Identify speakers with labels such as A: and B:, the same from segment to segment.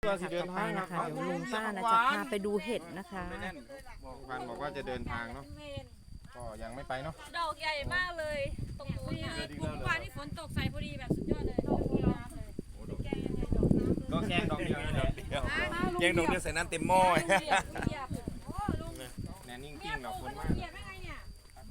A: ต่อไปนะคะเดี๋ยวลุงป้านะจะพาไปดูเห็ดนะคะ
B: บอกว่าจะเดินทางเนาะก็ยังไม่ไปเนาะ
C: ดอกใหญ่มากเลยตรงนู้นเลยคุณวานที่ฝนตกใส่พอดีแบบสุดยอดเลยดอกน้ำเลย
B: ก็แกงดอกเดียวนี่แหละ
D: แกงดอกเดียวใส่น้ำเต็มหม้อ
B: แน่นิ่งๆแบบคนมาก
C: เหยียบได้ไงเนี่ย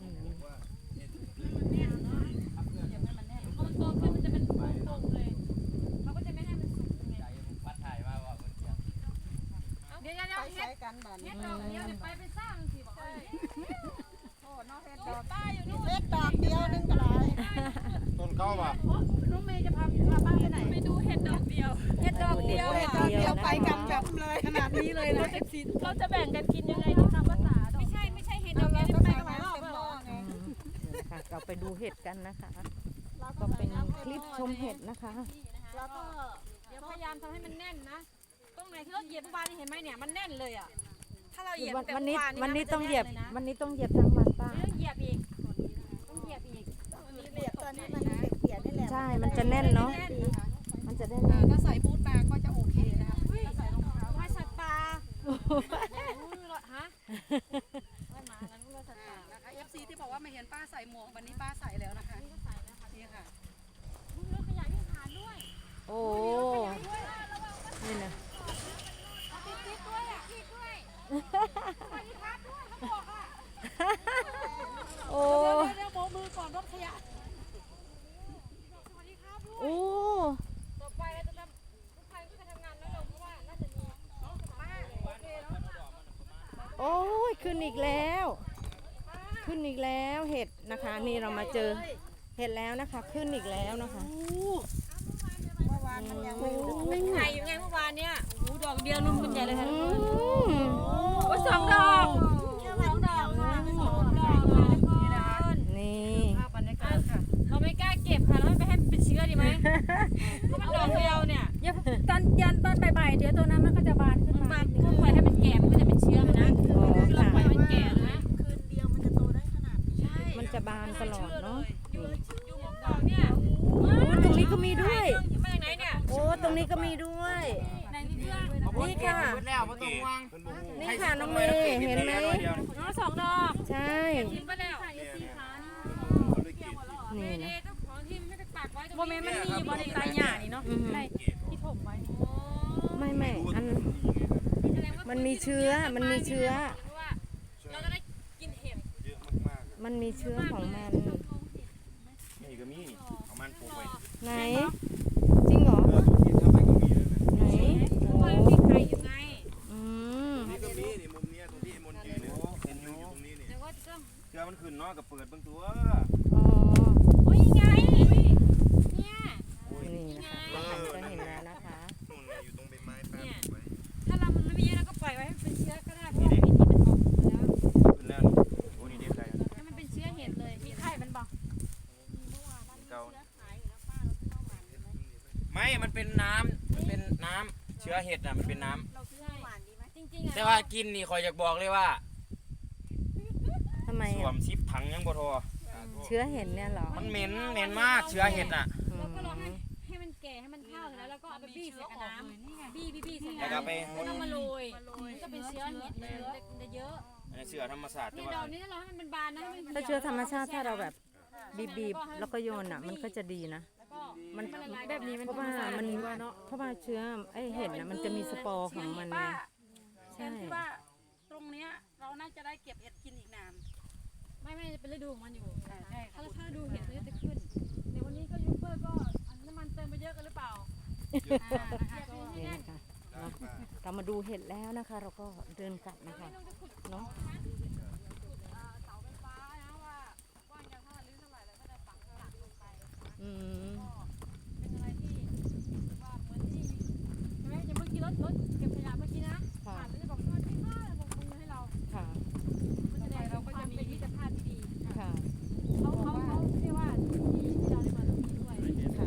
C: พอมันโตขึ้นมันจะเป็นตรงเลยเขาก็จะไม่ให้มันสุกไง
D: พัดถ่ายมาว่ามันเ
C: ดี๋ยวเฮ็ดกันบ้านเฮ็ดดอกเดียวไปสร้างสิบอกโอ้นอกเฮ็ดดอกป้าอยู่นู่น
E: เฮ็ดดอกเดียวนึงก็ได้
B: ต้นเก้าป่ะ
C: น้องเมย์จะพาป้าไปไหนไปดูเห็ดดอกเดียวเห็ดดอกเดียว
E: ไปกันแบบเลยขนาดนี้เลยนะ
C: เราจะแบ่งกันกินยังไงดีตามภาษาไม่ใช่เห็ดดอกเดียวไปกันหลายรอบแล้ว
A: เราไปดูเห็ดกันนะคะก็เป็นคลิปชมเห็ดนะคะ
C: แล้วก็เดี๋ยวพยายามทำให้มันแน่นนะตรงไหนที่เราเหยียบเมื่อวานนี่เห็นไหมเนี่ยมันแน่นเลยอ่ะถ้าเราเหยียบแบบ
A: วันนี้ต้องเหยียบทั้งวันป้า
C: ต้องเหยียบอีกเหยียบ
E: ตอนนี้มันเปียกนี่แหละ
A: ใช่มันจะแน่นเนาะมันจะได้
E: ถ้าใส่บูทมาก็จะโอเคนะคะ
C: ถ้าใส่รองเท้าไม่สัตว์ป่าฮะไม่มางั้นก็สัตว์ป่า
E: นะคะ FC ที่บอกว่าไม่เห็นป้าใส่หมวกวันนี้ป้าใส่แล้วนะคะนี่ค่ะ
C: รถขยะที่ผ่านด้วย
A: โอ้นี่นะ
C: ติดด้วยอ่ะติดด้วยไปที่พักด้วยเขาบอกอ่ะ
A: โอ้
C: เดี๋ยวโบกมือก่อนรถขยะสวัสดีครับด้วย
A: โอ้
C: ต่อไปเราจะทำทุกใครก็จะทำงานน้อยลงเพราะว่าน่าจะมีน้องป้าโอเคเนาะ
A: โอ้ยขึ้นอีกแล้วเห็ดนะคะนี่เรามาเจอเห็ดแล้วนะคะขึ้นอีกแล้วนะคะ
E: เมื่อวานมันยังไม่
C: เป็นไงอยู่ไงเมื่อวานเนี่ยโอ้ดอกเดียวนุ่มกันใหญ่เลยค่ะโอ้สองดอกค่ะสองดอกค่ะ
A: นี่
E: ภาพบรรยากาศค่ะ
C: เราไม่กล้าเก็บค่ะเราไม่ให้มันเป็นเชื้อดีไหมเพราะมันดอกเดียวเนี่ยตอนบ่ายเดี๋ยวตัวนั้นมันก็จะบานขึ้นมาถ้าปล่อยให้มันแก่มันก็จะเป็นเชื้อนะเราปล่อยมันแก่นะ
E: คืนเดียวมันจะโตได้ขนาดนี้
C: ใช่
A: มันจะบานตลอดเนาะ
C: อยู่หมกดอกเนี่ย
A: ตรงนี้ก็มีด้วย
C: มาจากไหนเนี่ย
A: โอ้ตรงนี้ก็มีด้วยนี่ค่ะนี่ค่ะน้องเมย์เห็นไหม
C: น้องสองดอก
A: ใช่
C: ทิ้งไปแล้ว
A: นี่นะ
C: โมเมนต์มันมีอยู่บนในใจหยานี่เนาะที่ถมไว้
A: ไม่อันมันมีเชื้อเรา
C: จะได้กินเห็ด
A: มันมีเชื้อของมัน
B: นี่ก็มีของมันปลูกไว้
A: ไหนจริงเหรอไหน
C: โอ้มีไข่อยู่ไง
D: นี่ก็มีนี่มุมนี้ตรงที่มนยืนเห็นอยู่ตรงนี้นี่
C: แต่ว่าจะต้อง
D: เกลือมันขึ้นเนาะกับเปิดบางตัว
A: อ๋อ
C: โอ้ยไงเนี่ย
A: นี่นะคะจะเห็นแล้วนะคะ
D: นู่นอยู่ตรงใบไม้แป๊บไว้
C: ถ้าเรามันไม่เยอะเราก็ปล่อยไว้ให้เป็นเชื้อก็ได้เพราะว่าปีนี้มันออกแล้ว
D: ขึ้นแล้วโอ้นี่เด็ดใจ
C: ให้มันเป็นเชื้อเห็ดเลยมีไข่มันบอก
D: เก่าไม่มันเป็นน้ำเชื้อเห็ดอ่ะมันเป็นน้
C: ำจริงๆ
D: แต่ว่ากินนี่คอยอยากบอกเลยว่า
A: ทำไม
D: สวมซิปถังยังบ่ทอ
A: เชื้อเห็ดเนี่ยเหรอ
D: มันเหม็นมากเชื้อเห็ดอ่ะ
C: เราก็รอให้มันแก่ให้มันเท่าแล้วก็เอาไปบี้ใส่น้ำบี้ใส่น้ำ
D: แล้วก็ไป
C: ต้องมาโรยมันก็เป็นเชื้อเห็ดเลยจะเยอะ
D: เชื้อธรรมศาสตร์
C: นี่ดอกนี้ถ้าเราให้มันบานนะ
A: ถ้าเชื้อธรรมชาติถ้าเราแบบบีบแล้วก็โยนอ่ะมันก็จะดีนะมัน
C: แบบนี้
A: เพราะว่าเชื้อไอเห็ดน่ะมันจะมีสปอร์ของมัน
E: ใช่ว่าตรงเนี้ยเราน่าจะได้เก็บเห็ดกินอีกนาน
C: ไม่จะเป็นฤดูของมันอยู่ถ้าฤดูเห็ดมันจะขึ้นในวันนี้ก็ยูเบอร์ก็น้ำมันเติมไปเยอะกันหรือเปล่า
A: นี่นะคะเรามาดูเห็ดแล้วนะคะเราก็เดินกลับนะคะเนาะ
C: เป็นอะไรที่ว่าเหมือนที่ใช่ไหมอย่างเมื่อกี้รถเก็บขยะเมื่อกี้นะผ่านแล้วจะบอกสวัสดีค่ะบอกมือให้เรา
A: ค่ะ
C: มันจะได้เราก็จะมีมิตรภาพที่ดี
A: ค่ะ
C: เขาเรียกว่าที่เราได้มาตรงนี้ด้วย
A: ค่ะ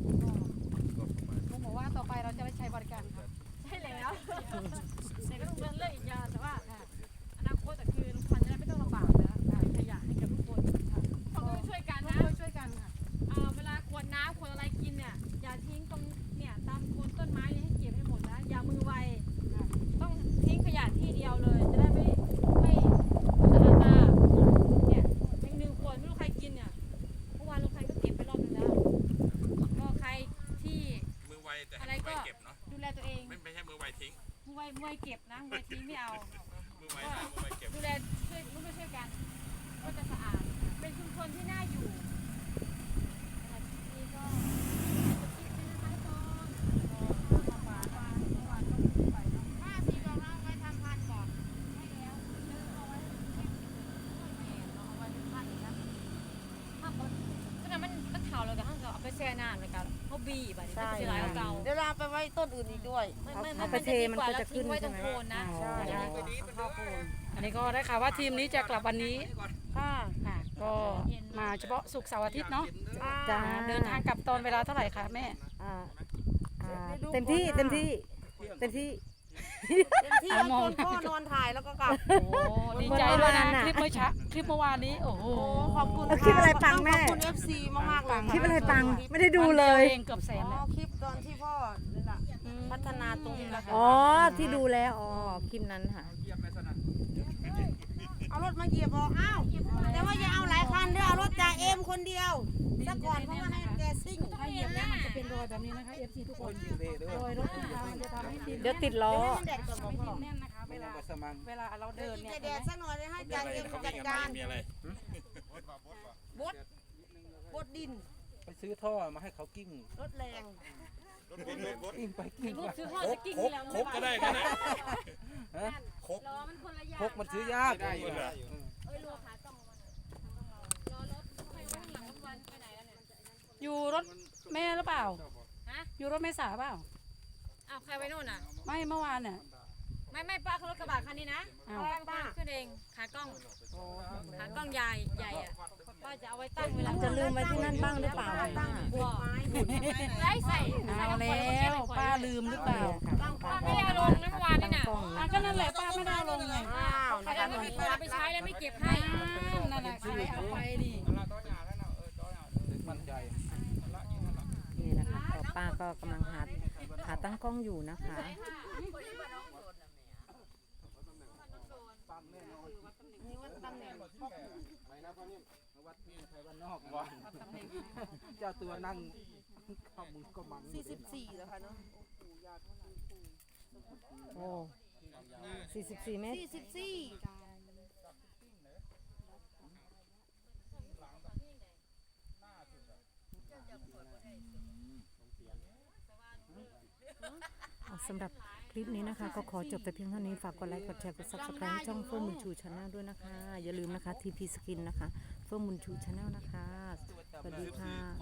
E: ผมบอกว่าต่อไปเราจะได้ใช้บริการค่ะ
C: ใช่แล้วแต่ก็ต้องเลือกอีกอย่างแต่ว่าอนาคตคือลุงพันธุ์จะได้ไม่ต้องลำบากนะขยะให้กับทุกคนเขาต้องช่วยกันนะ
E: ช่วยกันค่ะ
C: เวลาขวดน้ำขวดอะไรกินเนี่ยอย่าทิ้งตรงเนี่ยตามโคนต้นไม้ให้เก็บให้หมดนะอย่ามือดูแลตัวเอง
D: ไม่ใช่มือไวทิ้ง
C: มวยเก็บนะมวยทิ้งไม่เอา
D: มือไวหน้ามือไวเก็บ
C: ดูแลช่วยร่วมด้วยช่วยกันก็จะสะอาดเป็นชุมชนที่น่าอยู่นี่ก็มันเข่าเลยกับห้างเราเอาไปแช่น้ำเลยกันเขาบีบอ่ะนี่มันจะไหลเอาเก่า
E: เดี๋ยวเราไปไว้ต้นอื่นอีกด้วย
A: เอาไปเทมันก็จะขึ้น
C: ไว้ต
A: ใช่
C: รง
A: ไหม
C: โคนนะ
A: อ๋อ
E: ใช่
F: อันนี้ก็ได้ข่าวว่าทีมนี้จะกลับวันนี้
E: ค่ะ
F: ค่ะ ก็มาเฉพาะศุกร์เสาร์อาทิตย์เนาะ
A: จ้า
F: เดินทางกลับตอนเวลาเท่าไหร่คะแม่
A: อ่าเต็มที่เต็มที่เต็มที่
E: เต็มที่แล้วจนพ่อนอนถ่ายแล้วก็กลับ
F: โอ้ดีใจด้วยนะ
A: เมื่อวานน่ะ
F: คลิปเมื่อเช้าคลิปเมื่อวานนี้โอ้โห
E: โอ้ขอบคุณ
A: เอาคลิปอะไรปังแม่
E: ขอบคุณ FC มากๆเลย
A: คลิปอะไรปังไม่ได้ดูเลย
F: เองเกือบแสน
E: อ๋อ
F: แล้ว
E: คลิปตอนที่พ่อนี่แหละพัฒนาตรงนี้แหละค่ะ
A: อ๋อที่ดูแล้วอ๋อคลิปนั้นค่ะ
E: เอารถมาเหยียบบอกอ้าวแต่ว่าอย่าเอาหลายคันเด้อเอารถจ่าเอ็มคนเดียวซะก่อนเพราะว่าให้แกซิ่ง
F: ถ้าเหยียบแล้วมันจะเป็นรอยแบบนี้นะคะ FC ทุกคนรอยรถยางมันจะทำให้ดิน
A: เดี๋ยวติดล้อ
E: ให้มันแดดก่อนบอกพ่อ
F: แน่นนะคะเวลาเราเดิน
E: อีก
F: เนี่ย
E: แดดสักหน่อยเลยให้จ่าเอ็มจัดการ
D: มีอะไร
E: บดบดดิน
G: ไปซื้อท่อมาให้เขากิ้ง
E: รถแรง
G: กิ้งไปกิ้ง
C: รูป
G: มา
C: ซื้อห่อจะกิ้งที่แล้ว
D: ครบก็ได้กันนะ
G: ฮะ
C: ล้อมันคนละอย่าง
G: พกมันซื้อยาก
D: ได้อยู่เหรอ
C: เอ้ยรัวขาต้องรอรถไปไว้ข้างหลังรถวันไปไหนแล้วเนี่ย
F: อยู่รถแม่หรือเปล่า
C: ฮะ
F: อยู่รถแม่สาเปล่า
C: อ้าวใครไว้นู่นอ่ะ
F: ไม่เมื่อวานเนี่ย
C: ไม่ป้าเขารถกระบะคันนี้นะ
F: อ้าว
C: ป้าขึ้นเองขากล้องใหญ่อ่ะป้าจะเอาไว้ตั้งเวลา
A: จะลืมไว้ที่นั่นบ้างหรือเปล่า
C: บอกไว้ใส่
F: เอาแล้วป้าลืมหรือเปล่า
C: ป้าไม่ได้เอาลงนะเมื่อวานนี่น่ะ
F: อ่ะก็นั่นแหละป้าไม่ได้เอาลงไง
E: อ้าว
C: ใคร
E: นะคะ
C: เอาไม่เอาไปใช้แล้วไม่เก็บให้
F: อ้าวนั่นแหละใครเอาไปดิ
G: มั่นใจ
A: นี่นะคะก็ป้าก็กำลังหาตั้งกล้องอยู่นะคะ
E: นี่ว่าตำแหน่งพ่อปู่
G: วัดเพียงไทยบ้านนอกวะเจ้าตัวนั่งเข้ามือก็มังอยู่เลย
E: 44แล้วค่ะเนาะ
A: โอ้44 เมตร
E: 44
A: สำหรับคลิปนี้นะคะ ก็ขอจบแต่เพียงเท่านี้ฝากกดไลค์กดแชร์กด subscribe ให้ช่องเฟื่องบุญชูชาแนลด้วยนะคะ อย่าลืมนะคะ TP Skin นะคะเฟื่องบุญชูชาแนลนะคะ สวัสดีค่ะ